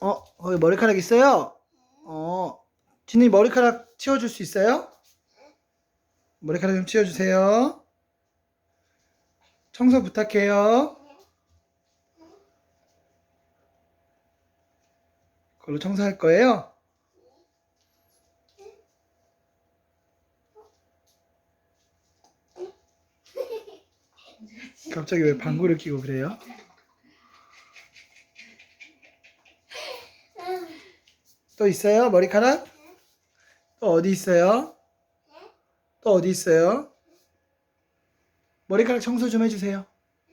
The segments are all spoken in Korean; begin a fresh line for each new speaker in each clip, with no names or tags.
거기 머리카락 있어요? 진이 머리카락 치워줄 수 있어요? 머리카락 좀 치워주세요. 청소 부탁해요. 그걸로 청소할 거예요? 갑자기 왜 방구를 끼고 그래요? 또 있어요? 머리카락? 또 어디 있어요? 또 어디 있어요? 머리카락 청소 좀 해주세요.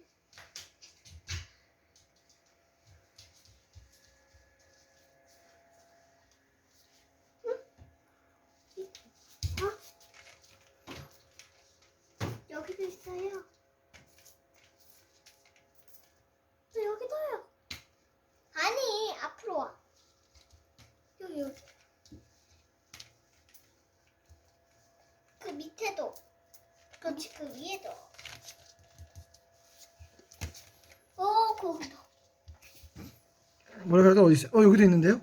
여기도 있어요. 또 여기도요. 아니, 앞으로 와. 여기. 그 밑에도. 그렇지, 그 위에도. 거기도.
머리카락 어디 있어요? 여기도 있는데요?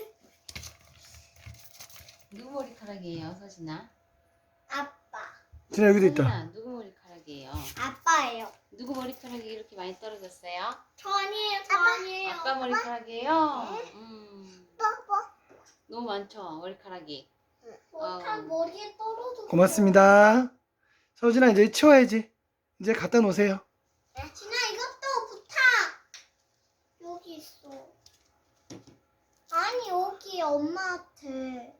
누구 머리카락이에요, 서진아?
아빠.
진아 여기도 있다.
서진아, 누구 머리카락이에요?
아빠예요.
누구 머리카락이 이렇게 많이 떨어졌어요?
저 아니에요, 저 아니에요.
아빠 머리카락이에요?
아빠.
너무 많죠, 머리카락이.
다 머리에 떨어져.
고맙습니다. 서진아 이제 치워야지. 이제 갖다 놓으세요.
진아, 이것도 부탁. 여기 있어. 아니, 여기 엄마한테.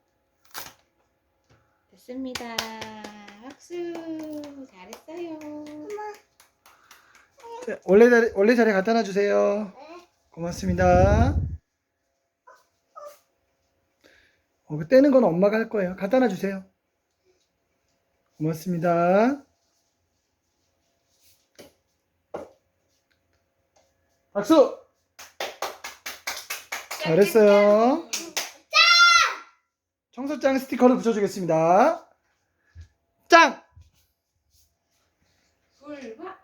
됐습니다. 박수. 잘했어요.
엄마.
자, 원래 자리에 갖다 놔주세요. 고맙습니다. 그 떼는 건 엄마가 할 거예요. 갖다 놔주세요. 고맙습니다. 박수! 잘했어요. 청소장 스티커를 붙여주겠습니다. 짱!
불과